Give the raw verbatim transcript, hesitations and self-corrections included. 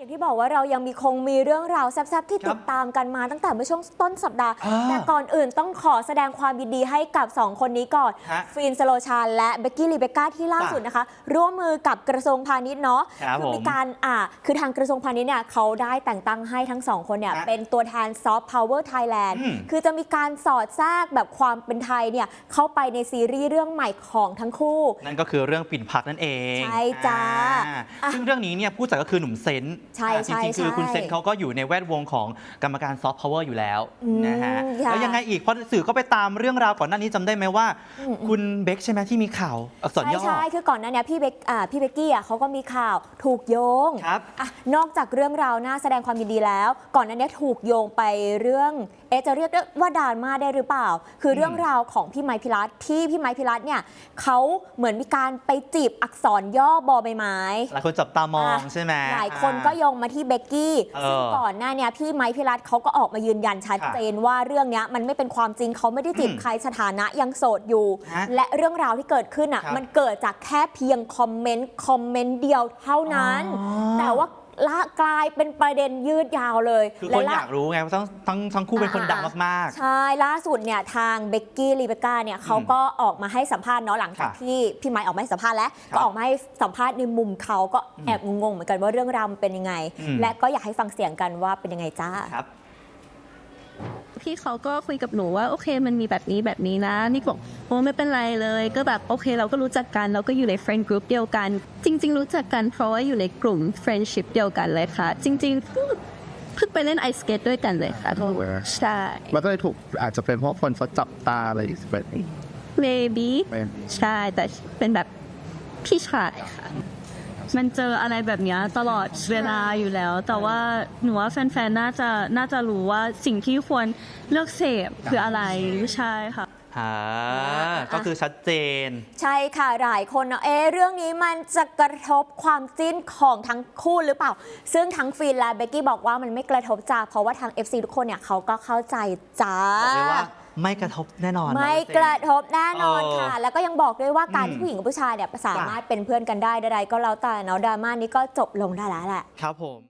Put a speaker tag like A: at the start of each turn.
A: อย่างที่บอกว่าเรายังมีคงมีเรื่องราวแซ่บๆที่ติดตามกันมาตั้งแต่เมื่อช่วงต้นสัปดาห์แต่ก่อนอื่นต้องขอแสดงความยินดีให้กับสองคนนี้ก่อนฟินสโลชานและเบกกี้ลีเบก้าที่ล่าสุดนะคะร่วมมือกับกระทรวงพาณิชย์เนาะคือมีการอ่าคือทางกระทรวงพาณิชย์เนี่ยเขาได้แต่งตั้งให้ทั้งสองคนเนี่ยเป็นตัวแทนซอฟต์พาวเวอร์ไทยแลนด์คือจะมีการสอดแทรกแบบความเป็นไทยเนี่ยเข้าไปในซีรีส์เรื่องใหม่ของทั้งคู่
B: นั่นก็คือเรื่องปิ่นพักนั่นเอง
A: ใช่จ้า
B: ซึ่งเรื่องนี้เนี่ยผู้จัดก็คือหนุ่มเซนต์
A: ใช่
B: จริงๆคือคุณเซนต์เขาก็อยู่ในแวดวงของกรรมการซอฟต์พาวเวอร์อยู่แล้วนะฮะแล้วยังไงอีกเพราะสื่อก็ไปตามเรื่องราวก่อนหน้านี้จำได้ไหมว่าคุณเบคใช่ไหมที่มีข่าวอักษรย่อ
A: ใช่ใช่คือก่อนหน้านี้พี่เบคอ่าพี่เบกกี้อ่ะเขาก็มีข่าวถูกโยง
B: ครับ
A: อ่ะนอกจากเรื่องราวน่าแสดงความยินดีแล้ว ก่อนหน้านี้ถูกโยงไปเรื่องเอจะเรียกว่าดราม่าได้หรือเปล่าคือเรื่องราวของพี่ไมค์พิรัตน์ที่พี่ไมค์พิรัตน์เนี่ยเขาเหมือนมีการไปจีบอักษรย่อบอใบไม้
B: หลายคนจับตามองใช่ไหม
A: หลายคนก็โยงมาที่เบกกี้ซึ่งก่อนหน้านี้พี่ไมค์พิรัตน์เขาก็ออกมายืนยันชัดเจนว่าเรื่องนี้มันไม่เป็นความจริงเขาไม่ได้จีบใครสถานะยังโสดอยู่และเรื่องราวที่เกิดขึ้นอ่ะมันเกิดจากแค่เพียงคอมเมนต์คอมเมนต์เดียวเท่านั้นแต่ว่าละกลายเป็นประเด็นยืดยาวเลย
B: คือคนอยากรู้ไงว่าทั้งทั้งทั้งคู่เป็นคนดังมาก
A: ๆใช่ล่าสุดเนี่ยทางเบกกี้ลีเบก้าเนี่ยเขาก็ออกมาให้สัมภาษณ์เนาะหลังจากที่พี่ไมค์ออกมาให้สัมภาษณ์แล้วก็ออกมาให้สัมภาษณ์ในมุมเขาก็แอบงงๆเหมือนกันว่าเรื่องราวมันเป็นยังไงและก็อยากให้ฟังเสียงกันว่าเป็นยังไงจ้า
C: พี่เขาก็คุยกับหนูว่าโอเคมันมีแบบนี้แบบนี้นะนี่บอกโอ้ไม่เป็นไรเลยก็แบบโอเคเราก็รู้จักกันเราก็อยู่ใน friend group เดียวกันจริงๆรู้จักกันเพราะว่าอยู่ในกลุ่ม friendship เดียวกันเลยค่ะจริงๆเพิ่งไปเล่นไอสเกตด้วยกันเลยค่ะใช่
D: มันก็เลยถูกอาจจะเป็นเพราะคนเขาจับตาอะไรแบบนี้
C: maybe ใช่แต่เป็นแบบพี่ชายค่ะมันเจออะไรแบบนี้ตลอดเวลาอยู่แล้วแต่ว่าหนูว่าแฟนๆน่าจะน่าจะรู้ว่าสิ่งที่ควรเลือกเสพคืออะไรใช่ค่ะ
B: อ่าก็คือชัดเจน
A: ใช่ค่ะหลายคนเนาะเอ๊ะเรื่องนี้มันจะกระทบความจิ้นของทั้งคู่หรือเปล่าซึ่งทั้งฟินและเบกกี้บอกว่ามันไม่กระทบจ้าเพราะว่าทาง เอฟ ซี ทุกคนเนี่ยเขาก็เข้าใจจ้า
B: บอกเลยว่าไม่กระทบแน่นอน
A: ไม่กระทบแน่นอนค่ะแล้วก็ยังบอกด้วยว่าการที่ผู้หญิงกับผู้ชายเนี่ยสามารถเป็นเพื่อนกันได้ใดๆก็แล้วแต่เนาะดราม่านี้ก็จบลงได้แล้วแหละ
B: ครับผม